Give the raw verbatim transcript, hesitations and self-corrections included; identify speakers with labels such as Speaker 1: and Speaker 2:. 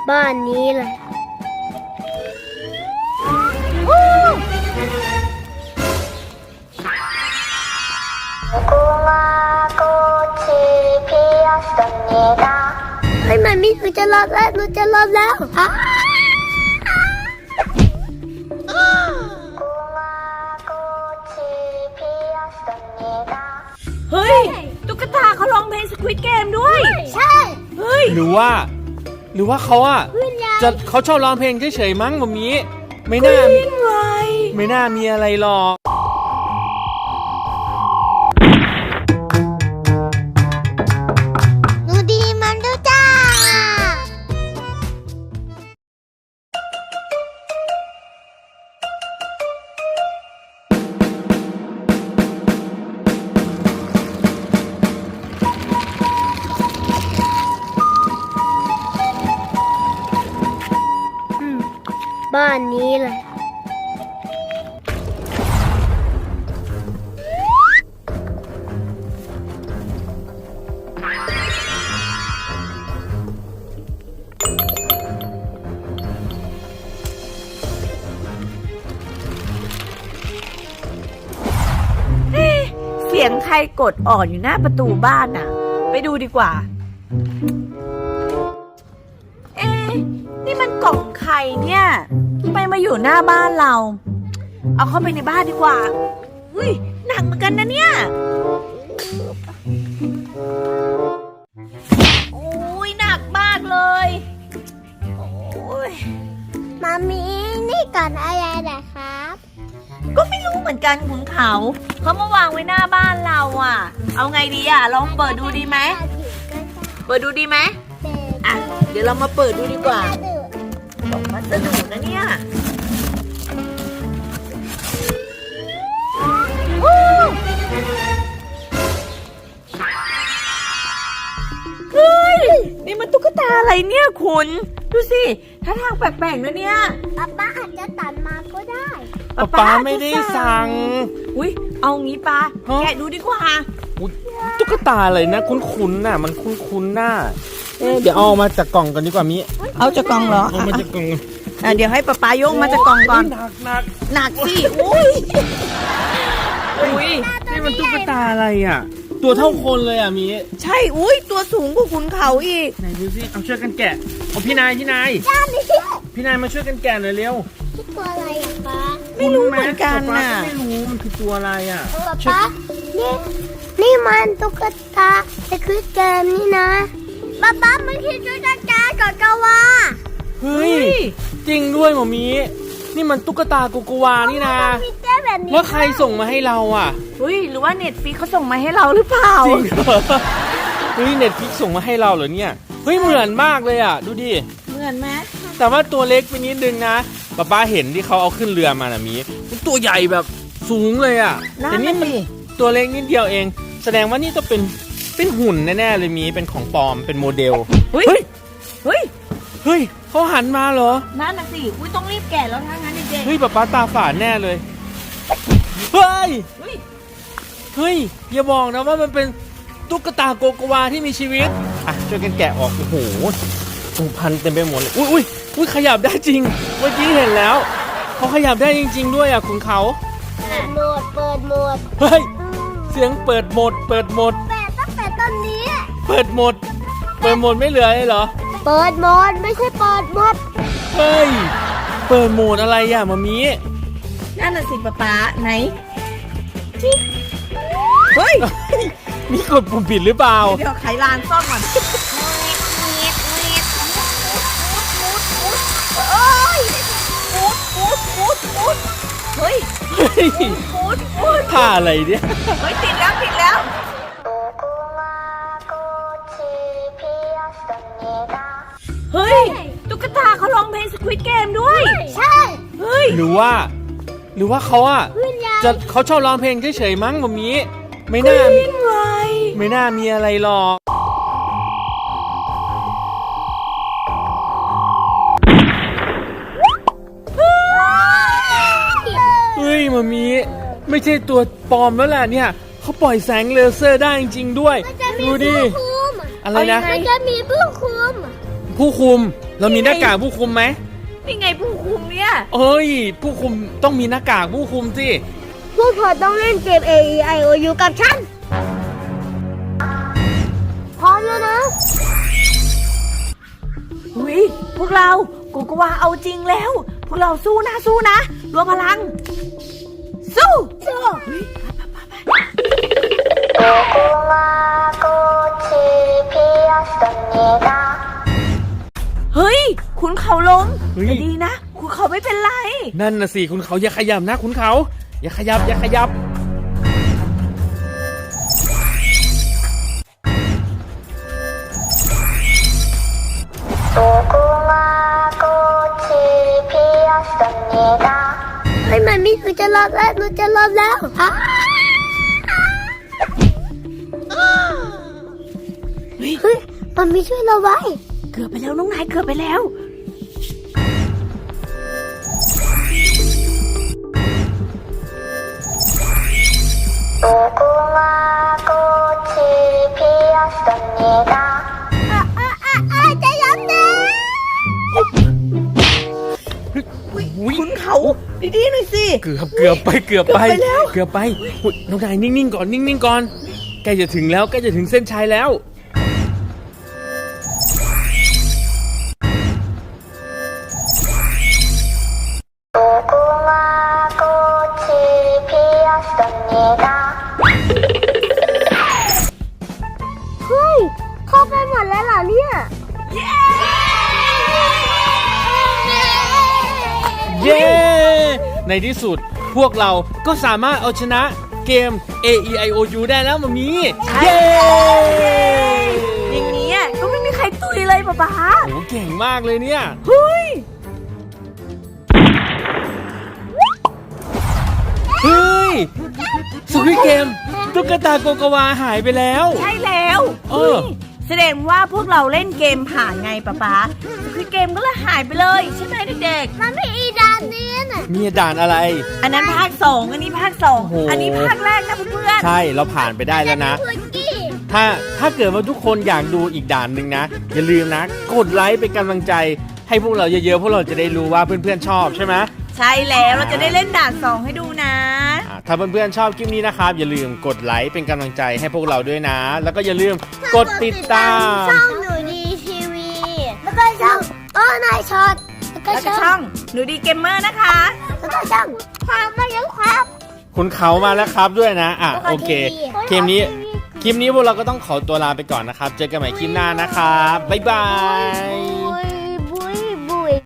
Speaker 1: บ้านนี้แหละเฮ้ยมันมีหนูจะรอดแล้วหนูจะรอดแล้วฮะ
Speaker 2: เฮ้ยตุ๊กตาเขาร้องเพลงสควิดเกมด้วย
Speaker 1: ใช่
Speaker 2: เฮ้ย
Speaker 3: หรือว่าหรือว่าเขาอะจะเขาชอบร้องเพลงเฉยๆมั้งแบบนี้ไม่น่าไม่น่ามีอะไรหรอก
Speaker 1: หนูดีมันดูจ้าบ้านนี้แหละ
Speaker 2: เสียงใครกดออดอยู่หน้าประตูบ้านน่ะไปดูดีกว่าเอ๊ะนี่มันกล่องไข่เนี่ยทำไมมาอยู่หน้าบ้านเราเอาเข้าไปในบ้านดีกว่าอุ้ยหนักเหมือนกันนะเนี่ยโอ้ยหนักมากเลยโอ้ย
Speaker 1: มามีนี่ก่อนอะไรนะครับ
Speaker 2: ก็ไม่รู้เหมือนกันขุนเขาเขามาวางไว้หน้าบ้านเราอ่ะเอาไงดีอ่ะลองเปิดดูดีไหมเปิดดูดีไหมอ่ะเดี๋ยวเรามาเปิดดูดีกว่าตกมาสนุกนะเนี่ยเฮ้ยนี่มันตุ๊กตาอะไรเนี่ยคุณดูสิท่าทางแปลกๆนะเนี่ย
Speaker 1: ป๊าป๊าอาจจะตัดมาก็ได้
Speaker 3: ป๊าป๊าไม่ได้สั่ง
Speaker 2: อุ้ยเอางี้ป้าแกะดูดีกว่า
Speaker 3: ตุ๊กตาอะไรนะคุ้นๆน่ะมันคุ้นๆน่ะเอ๊ะเดี๋ยวเอามาจากกล่องกันดีกว่ามิ
Speaker 2: เอาจากกล่องเหรอ
Speaker 3: เอามาจากกล่อง
Speaker 2: อ่ะเดี๋ยวให้ป๊าป๊ายกมาจากกล่องก่อน
Speaker 3: หนักหนัก
Speaker 2: หนักสิอุ้ย
Speaker 3: อุ้ยนี่มันตุ๊กตาอะไรอ่ะตัวเท่าคนเลยอ่ะมิ
Speaker 2: ใช่อุ้ยตัวสูงกว่าขุนเขาอีก
Speaker 3: ไหนดูสิเอาช่วยกันแกะเอาพี่นายพี่นายพี่นายมาช่วยกันแกะหน่อยเร็ว
Speaker 1: ตัวอะไรอ่ะป๊า
Speaker 2: ไม่รู้เหมือนกันน่ะ
Speaker 3: ไม่รู้มันคือตัวอะไรอ่ะ
Speaker 1: ป๊านี่นี่มันตุ๊กตาแต่คือเกมนี่นะป๊าป๊ามันคือตุ๊กตาโกโกวา
Speaker 3: เฮ้ยจริงด้วยหมอมีนี่มันตุ๊กตาโกโกวานี่นะแล้วใครส่งมาให้เราอ่ะ
Speaker 2: เฮ้ยหรือว่าเน็ตฟิกเขาส่งมาให้เราหรือเปล่า
Speaker 3: จริงเหรอเฮ้ยเน็ตฟิกส่งมาให้เราเหรอเนี่ยเฮ้ยเหมือนมากเลยอ่ะดูดิ
Speaker 2: เหมือนไหม
Speaker 3: แต่ว่าตัวเล็กไปนิดนึงนะป้าป้าเห็นที่เขาเอาขึ้นเรือมาน่ะมีมันตัวใหญ่แบบสูงเลยอ่ะแต่นี่มันตัวเล็กนิดเดียวเองแสดงว่านี่ต้องเป็นเป็นหุ่นแน่ๆเลยมีเป็นของปลอมเป็นโมเดล
Speaker 2: เฮ้ยเฮ้ย
Speaker 3: เฮ้ยเขาหันมาเหรอ
Speaker 2: นั่นน่ะสิอุ้ยต้องรีบแกะแล้วถ้างั้นเด็กๆ
Speaker 3: เฮ้ยป้าป้าตาฝาดแน่เลยเฮ้ยเฮ้ยอย่าบอกนะว่ามันเป็นตุ๊กตาโกโกวาที่มีชีวิตอ่ะช่วยกันแกะออกโอ้โหถูกพันเต็มไปหมดเลยอุ้ยอุ้ยอุ้ยขยับได้จริงเมื่อกี้เห็นแล้วเขาขยับได้จริงๆด้วยอ่ะคุณเขา
Speaker 1: เปิดโหมดเปิดโหมด
Speaker 3: เฮ้ยเสียงเปิดโหมดเปิดโหมด
Speaker 1: เปิดตั้งแต่ตอนนี้
Speaker 3: เปิดโหมดเปิดโหมดไม่เหลือเลยเหรอ
Speaker 1: เปิดโหมดไม่ใช่เปิดโหมด
Speaker 3: เฮ้ยเปิดโหมดอะไรอ่ะมามี
Speaker 2: นั่นน่ะสิป๊าป๊าไหนเฮ้ย
Speaker 3: มีกดปุ่มผิดหรือเปล่า
Speaker 2: เดี๋ยวไขลานซ่อมก่อนเอ้ยปูดปูดปูดปูดเฮ้ยปูดปูด
Speaker 3: ท่าอะไรเนี่ย
Speaker 2: เฮ้ยติดแล้วติดแล้วเฮ้ยตุ๊กตาเขาร้องเพลงสควิดเกมด้วย
Speaker 1: ใช่
Speaker 2: เฮ้ย
Speaker 3: หรือว่าหรือว่าเขาอะจะเขาชอบร้องเพลงเฉยๆมั้งแบบนี้ไม่น่าไม่น่ามีอะไรหรอกเฮ้ยมามีไม่ใช่ตัวปลอมแล้วแหละเนี่ยเขาปล่อยแสงเลเซอร์ได้จริงๆด้วยดูดิอะไรนะ
Speaker 1: มันจะมีผู้คุม
Speaker 3: ผู้คุมเรามีหน้ากากผู้คุมไหม
Speaker 2: นี่ไงผู้คุมเนี่ย
Speaker 3: เอ้ย ผู้คุมต้องมีหน้ากากผู้คุมสิ
Speaker 1: พวกเธอต้องเล่นเกม A E I O U กับฉัน พร้อมแล้วนะ
Speaker 2: อุ้ยพวกเราโกโกวาเอาจริงแล้ว พวกเราสู้นะสู้นะรวมพลัง สู้สู้เฮ้ยคุณเขาล้ม
Speaker 3: เฮ้ย
Speaker 2: แต่ดีนะ คุณเขาไม่เป็นไร
Speaker 3: นั่นน่ะสิคุณเขาอย่าขยับนะคุณเขา อย่าขยับอย่าขยับ
Speaker 1: เฮ้ยมันมีหนูจะรอบแล้วหนูจะรอบแล้วฮะ
Speaker 2: เฮ้ย
Speaker 1: เฮ้ยมันมีช่วยเราไว้
Speaker 2: เกือบไปแล้วน้องนายเกือบไปแล้ว
Speaker 1: อ่ะอ่ะอ่ะอ่ะจะยอมนะ
Speaker 3: อุ๊ย
Speaker 2: คุณเขาดีๆหน่อยสิ
Speaker 3: เกือบเกือบไปเกือบไป
Speaker 2: เกือบไปแล้ว
Speaker 3: เกือบไปอุ๊ยน้องนายนิ่งๆก่อนนิ่งๆก่อนใกล้จะถึงแล้วใกล้จะถึงเส้นชัยแล้ว
Speaker 1: เฮ้ยเข้าไปหมดแล้วเหรอเนี่ย
Speaker 3: เย้ ในที่สุดพวกเราก็สามารถเอาชนะเกม A E I O U ได้แล้วมามี
Speaker 2: ใช่
Speaker 3: เย้
Speaker 2: อย่างนี้อ่ะก็ไม่มีใครตุยเลยป๊าป๊า
Speaker 3: โหเก่งมากเลยเนี่ย
Speaker 2: เฮ้ย
Speaker 3: เฮ้ยสควิดเกมตุ๊กตาโกโกวาหายไปแล้ว
Speaker 2: ใช่แล้ว
Speaker 3: เออ
Speaker 2: ฮ้ยแสดงว่าพวกเราเล่นเกมผ่านไงป๊าป๊าคือเกมก็เลยหายไปเลยใช่ไหมเด็ก
Speaker 1: มันไม่อีดานนี้น่ะ
Speaker 3: มีด่านอะไร
Speaker 2: ๆ อันนั้นภาคสองอันนี้ภาคสอง
Speaker 3: โอ้โห
Speaker 2: อันนี้ภาคแรกนะเพื่อน
Speaker 3: ใช่เราผ่านไปได้แล้วนะ
Speaker 1: พุกกี้
Speaker 3: ถ้าถ้าเกิดว่าทุกคนอยากดูอีกด่านหนึ่งนะ อย่าลืมนะ กดไลค์เป็นกำลังใจ ให้พวกเราเยอะๆพวกเราจะได้รู้ว่าเพื่อนๆชอบใช่ไหม
Speaker 2: ๆ ใช่แล้วเราจะได้เล่นด่านสองให้ดูนะ
Speaker 3: อ่าถ้าเพื่อนๆชอบคลิปนี้นะครับ อย่าลืมกดไลค์เป็นกำลังใจให้พวกเราด้วยนะ แล้วก็อย่าลืมกดติดตาม
Speaker 1: ช่องหนูดีทีวี แล้วก็ช่องโอ้นายช็อตแล้วก็
Speaker 2: แล้วก็
Speaker 1: ช่
Speaker 2: ช่
Speaker 1: อ
Speaker 2: อง งหนูดีเกมเมอร์นะคะ
Speaker 1: แล้วก็ช่องความมายังครับ
Speaker 3: คุณเขามาแล้วครับด้วยนะอ่ะ
Speaker 1: แล้วก็
Speaker 3: โอเค
Speaker 1: ทีวี
Speaker 3: คลิปนี้คลิปนี้พวกเราก็ต้องขอตัวลาไปก่อนนะครับ เจอกันใหม่คลิปหน้านะครับบ๊ายบาย
Speaker 1: โอ้ย